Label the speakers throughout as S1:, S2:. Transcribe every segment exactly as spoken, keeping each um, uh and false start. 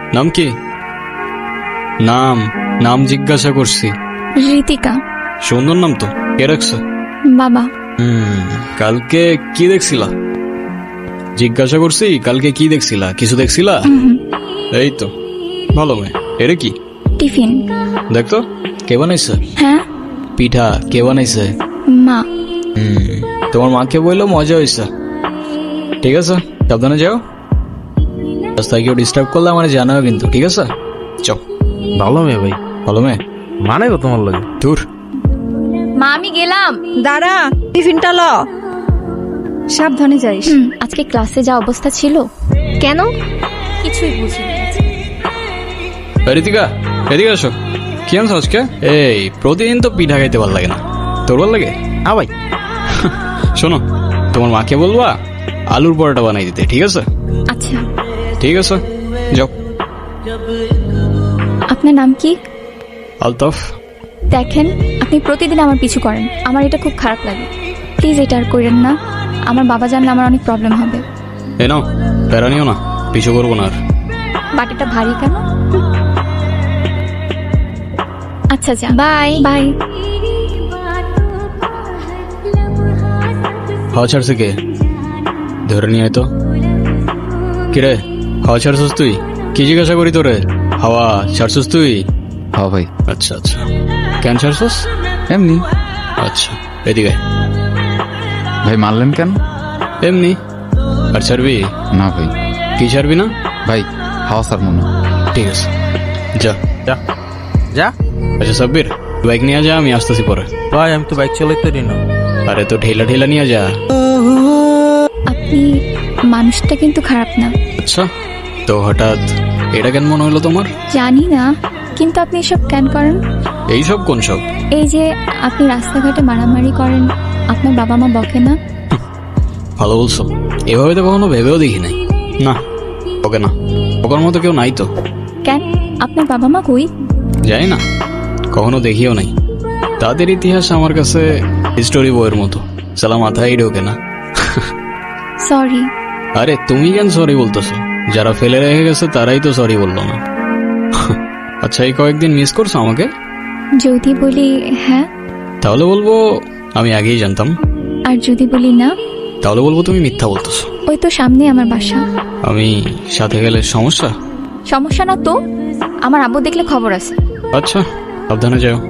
S1: নাম কি? নাম নাম জিজ্ঞাসা করছি।
S2: ঋতিকা।
S1: সুন্দর নাম তো, কে রাখছে?
S2: বাবা।
S1: হুম কালকে কি দেখছিলা? জিজ্ঞাসা করছি কালকে কি দেখছিলা? কিছু দেখছিলা? এই তো ভালো মেয়ে। এরে কি?
S2: টিফিন।
S1: দেখতো কে বানাইছে?
S2: হ্যাঁ
S1: পিঠা কে বানাইছে?
S2: মা।
S1: হুম তোমার মাকে বললো মজা হয়েছে। ঠিক আছে সাবধানে যাও, রাস্তায় কেউ ডিস্টার্ব করলে আমার জানাও কিন্তু, ঠিক আছে? চল।
S3: ভালো মেয়ে ভাই,
S1: ভালো মেয়ে
S3: মানে গো তোমার লাগে।
S1: দূর।
S2: মা আমি গেলাম।
S4: দাঁড়া, টিফিনটা ল, সাবধানে যাইস।
S2: হুম, আজকে ক্লাসে যা অবস্থা ছিল। কেন? কিছুই বুঝিনি।
S1: ঋতিকা এদিকে আসো। কি আনছো আজকে? এই প্রতিদিন তো পিঠা খাইতে ভালো লাগে না, তোর ভালো লাগে?
S3: হ্যাঁ ভাই।
S1: শোনো তোমার মাকে বলবা আলুর পরোটা বানাই দিতে, ঠিক আছে?
S2: আচ্ছা।
S1: ঠিক আছে যাও।
S2: আপনার নাম কি?
S1: আলতাফ।
S2: দেখেন আপনি প্রতিদিন আমার পিছু করেন, আমার এটা খুব খারাপ লাগে। প্লিজ এটা আর করেন না, আমার বাবা জানলে আমার অনেক প্রবলেম হবে।
S1: এ নাও, প্যারা নিও না, পিছু করবো না আর।
S2: বাটিটা ভারী কেন? আচ্ছা যা, বাই বাই।
S1: হাওয়া ছাড়ছে কে? ধরে নিয়ে আয় তো। কিরে হাওয়া ছাড়ছিস তুই? কি জিজ্ঞাসা করি তোরে? হাওয়া ছাড়ছিস তুই?
S3: হ্যাঁ ভাই।
S1: আচ্ছা আচ্ছা, কেন ছাড়ছিস?
S3: এমনি।
S1: আচ্ছা এদিকে আয়।
S3: ভাই মারলেন কেন?
S1: এমনি। আর ছাড়বি?
S3: না ভাই।
S1: কি ছাড়বি না?
S3: ভাই হাওয়া স্যার মনে।
S1: ঠিক আছে যা
S3: যা যা।
S1: আচ্ছা সাব্বির বাইক নিয়ে যা, আমি আসতেছি পরে।
S3: ভাই আমি তো বাইক চালাইতে পারি না।
S1: আরে তো ঠেলা ঠেলা নিয়ে যা।
S2: আপনি মানুষটা কিন্তু খারাপ না।
S1: আচ্ছা তো হঠাৎ এটা কেন মনে হলো তোমার?
S2: জানি না, কিন্তু আপনি এসব কেন করেন?
S1: এইসব কোন সব?
S2: এই যে আপনি রাস্তাঘাটে মারামারি করেন, আপনার বাবা মা বকে না?
S1: ভালো বলছো, এভাবে তো কখনো ভেবেও দেখি নাই। না ওকে না, ওকার মতো কেউ নাই তো।
S2: কেন? আপনার বাবা মা কই?
S1: যাই না, কখনো দেখিও নাই। তাদের ইতিহাস আমার কাছে হিস্টোরি বইয়ের মতো, সালা মাথায় ঢোকে না।
S2: সরি।
S1: আরে তুমি কেন সরি বলতেছো? যারা ফেলে রেখে গেছে তারাই তো সরি বললো না। আচ্ছা এই কয়েকদিন মিস করছো আমাকে?
S2: যদি বলি হ্যাঁ,
S1: তাহলে বলবো আমি আগেই জানতাম।
S2: আর যদি বলি না,
S1: তাহলে বলবো তুমি মিথ্যা বলতেছো।
S2: ওই তো সামনে আমার বাসা।
S1: আমি সাথে গেলে সমস্যা?
S2: সমস্যা না তো, আমার আব্বু দেখলে খবর আছে।
S1: আচ্ছা সাবধানে যাও।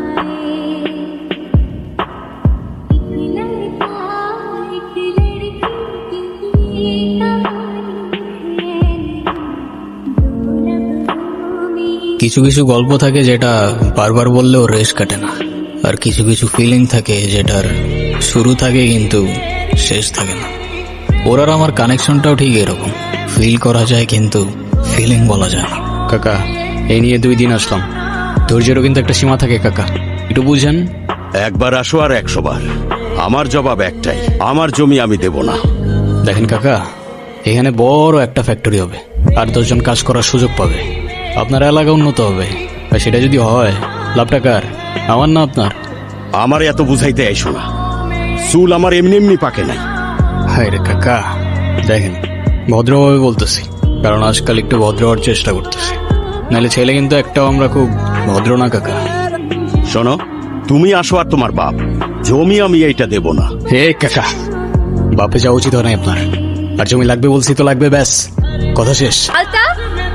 S1: কিছু কিছু গল্প থাকে যেটা বারবার বললেও রেশ কাটে না, আর কিছু কিছু ফিলিং থাকে যেটার শুরু থাকে কিন্তু শেষ থাকে না। ওর আর আমার কানেকশনটাও ঠিক এরকম, ফিল করা যায় কিন্তু ফিলিং বলা যায় না। কাকা এই নিয়ে দুই দিন আসলাম, ধৈর্যেরও কিন্তু একটা সীমা থাকে কাকা, একটু বুঝেন।
S5: একবার আসো আর একশো বার, আমার জবাব একটাই, আমার জমি আমি দেব না।
S1: দেখেন কাকা, এখানে বড় একটা ফ্যাক্টরি হবে, আর দশজন কাজ করার সুযোগ পাবে, আপনার এলাকা উন্নত হবে। আর সেটা যদি হয় লাভটা কার? আমার না আপনার?
S5: আমার এত বুঝাইতে আইসো না, চুল আমার এমনি এমনি পাকে নাই।
S1: হায় রে কাকা, দেখেন ভদ্রভাবে বলতেছি, কারণ আজকাল একটু ভদ্র হওয়ার চেষ্টা করতেছি, নাহলে ছেলে কিন্তু একটাও আমরা খুব ভদ্র না কাকা।
S5: শোনো, তুমি আসো আর তোমার বাপ, জমি আমি এইটা দেব না।
S1: হে কাকা, বাপে যাওয়া উচিত হয় না আপনার, আর জমি লাগবে বলছি তো লাগবে, ব্যাস কথা শেষ।
S2: আলতাফ।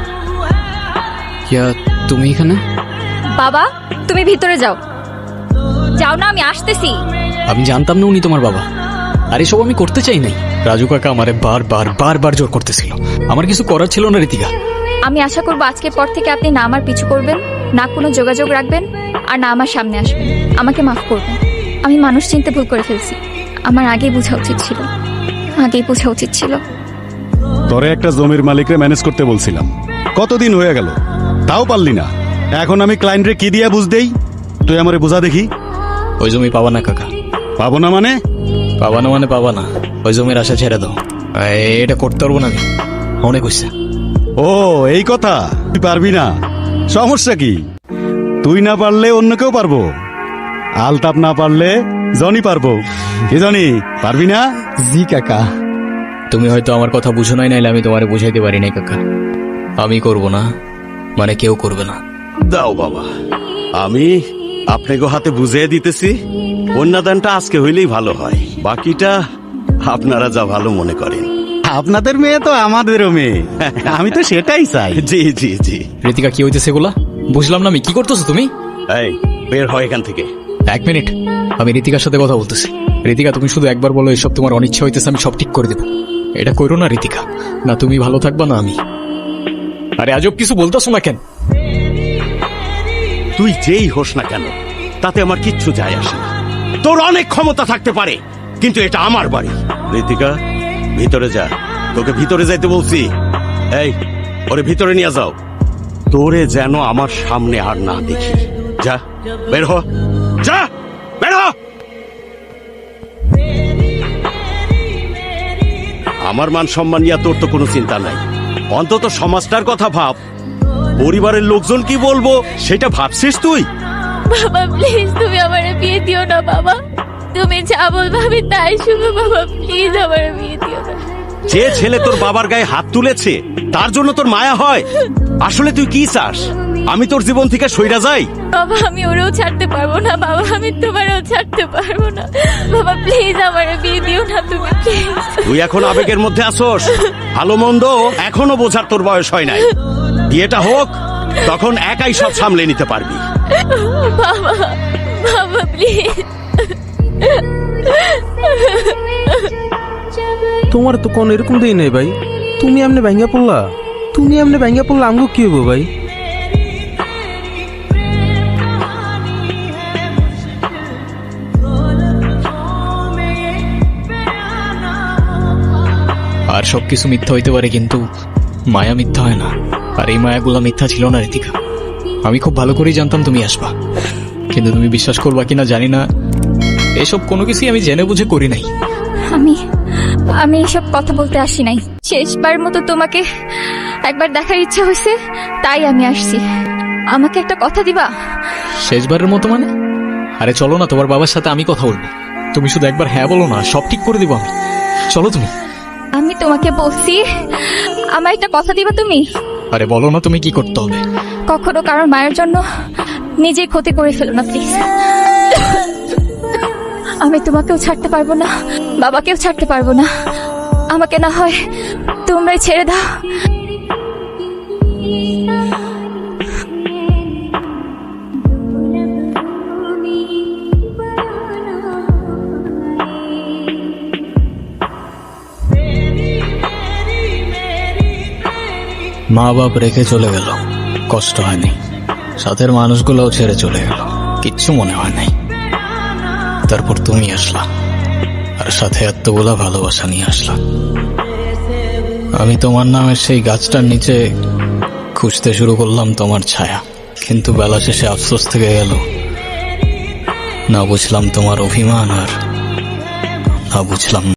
S1: ইয়া তুমি এখানে?
S2: বাবা তুমি ভিতরে যাও। যাও না, আমি আসতেছি।
S1: আমি জানতাম না উনি তোমার বাবা, আর এসব আমি করতে চাই নাই। রাজু কাকা আমারে বারবার বারবার জোর করতেছিল, আমার কিছু করার ছিল না ঋতিকা।
S2: আমি আশা করবো আজকের পর থেকে আপনি না আমার পিছু করবেন, না কোনো যোগাযোগ রাখবেন, আর না আমার সামনে আসবেন। আমাকে মাফ করবেন, আমি মানুষ চিনতে ভুল করে ফেলছি। আমার আগেই বোঝা উচিত ছিল, আগেই বোঝা উচিত ছিল।
S6: তোরে একটা জমির মালিকরে ম্যানেজ করতে বলছিলাম, কতদিন হয়ে গেল, তাও পারলি না। এখন আমি ক্লায়েন্টরে কি দিয়া বুঝ দেই? তুই আমারে বুঝা দেখি।
S1: ওই জমি পাবা না কাকা।
S6: পাবো না মানে?
S1: পাবা না মানে পাবা না, ওই জমির আশা ছেড়ে দাও। এটা করতে পারবো না আমি, অনেক হয়েছে।
S6: ও এই কথা, তুই পারবি না, সমস্যা কি? তুই না পারলে অন্য কেউ পারবো, আলতাপ না পারলে জনি পারবো। কি জনি, পারবি না?
S1: জি কাকা। তুমি হয়তো আমার কথা বুঝো নাই, নাইলে আমি তোমারে বুঝাইতে পারি নাই কাকা। আমি করব না, মানে কেউ করবে না।
S5: দাও বাবা, আমি আপনাকে হাতে বুঝিয়ে দিতেছি। কন্যাদানটা আজকে হইলেই ভালো হয়, বাকিটা আপনারা যা ভালো মনে করেন।
S6: আপনাদের মেয়ে তো আমাদেরও মেয়ে, আমি তো সেটাই চাই।
S5: জি জি জি।
S1: ঋতিকা, কি হইতেছে এগুলা? বুঝলাম না আমি, কি করতেছো তুমি?
S5: এই বের হয় এখান থেকে।
S1: এক মিনিট, আমি ঋতিকার সাথে কথা বলতেছি। ঋতিকা, তুমি শুধু একবার বলো এসব তোমার অনিচ্ছা হইতেছে, আমি সব ঠিক করে দেবো। এটা করো না ঋতিকা, না তুমি ভালো থাকবা না আমি। আরে আজব কিছু বলতেছো না কেন?
S5: তুই যেই হোস না কেন তাতে আমার কিচ্ছু যায় আসে না। তোর অনেক ক্ষমতা থাকতে পারে, কিন্তু এটা আমার বাড়ি। ঋতিকা, ভিতরে যা, তোকে ভিতরে যাইতে বলছি। এই, ওরে ভিতরে নিয়ে যাও। তোরে যেন আমার সামনে আর না দেখি। যা, বের হ, যা, বের হ। আমার মান সম্মান নিয়ে তোর তো কোনো চিন্তা নাই, অন্তত সমাজটার কথা ভাব। পরিবারের লোকজন কি বলবো সেটা ভাবছিস তুই?
S2: বাবা প্লিজ তুমি আমারে বিয়ে দিও না বাবা, তুমি যা বলবে আমি তাই শুনো বাবা, প্লিজ আমারে বিয়ে দিও না।
S5: যে ছেলে তোর বাবার গায়ে হাত তুলেছে তার জন্য তোর মায়া হয়? আসলে তুই কি চাস, আমি তোর জীবন থেকে সইরা যাই?
S2: বাবা আমি ওরেও ছাড়তে পারবো না বাবা, আমি তোমারও ছাড়তে পারবো না বাবা, প্লিজ আমারে বিয়ে দিও না তুমি, প্লিজ।
S5: তুই এখন আবেগের মধ্যে আসোস, ভালো মন্দ এখনো বোঝার তোর বয়স হয় নাই। বিয়েটা হোক, তখন একাই সব সামলে নিতে পারবি।
S2: বাবা বাবা প্লিজ।
S3: তোমার তো কোন এরকম দেই নাই ভাই, তুমি এমনি ভাঙ্গা পড়লা, তুমি এমনি ভাঙ্গা পড়লা, আমগো কি হবো ভাই?
S1: আর সবকিছু মিথ্যা হইতে পারে, কিন্তু মায়া মিথ্যা হয় না। আর এই মায়াগুলো মিথ্যা ছিল না ঋতিকা। আমি খুব ভালো করেই জানতাম তুমি আসবা, কিন্তু তুমি বিশ্বাস করবা কিনা জানি না, এসব কোনো কিছুই আমি জেনে বুঝে করি নাই।
S2: আমি আমি এসব কথা বলতে আসি নাই, শেষবার মতো তোমাকে একবার দেখার ইচ্ছা হয়েছে তাই আমি আসছি। আমাকে একটা কথা দিবা?
S1: শেষবারের মতো মানে? আরে চলো না, তোমার বাবার সাথে আমি কথা বলবো। তুমি শুধু একবার হ্যাঁ বলো না, সব ঠিক করে দিব আমি। চলো তুমি।
S2: আমি তোমাকে বলছি আমার একটা কথা দিবা তুমি?
S1: আরে বলো না তুমি কি করতে হবে।
S2: কখনো কারোর মায়ের জন্য নিজেই ক্ষতি করে ফেলো না প্লিজ। আমি তোমাকেও ছাড়তে পারবো না, বাবাকেও ছাড়তে পারবো না। আমাকে না হয় তোমরাই ছেড়ে দাও।
S1: মা বাপ রেখে চলে গেল, কষ্ট হয়নি। সাথের মানুষগুলোও ছেড়ে চলে গেল, কিচ্ছু মনে হয় নাই। তারপর তুমি আসলা, আর সাথে এতগুলা ভালোবাসা নিয়ে আসলা। আমি তোমার নামের সেই গাছটার নিচে খুঁজতে শুরু করলাম তোমার ছায়া, কিন্তু বেলা শেষে আফসোস থেকে গেল। না বুঝলাম তোমার অভিমান, আর না বুঝলাম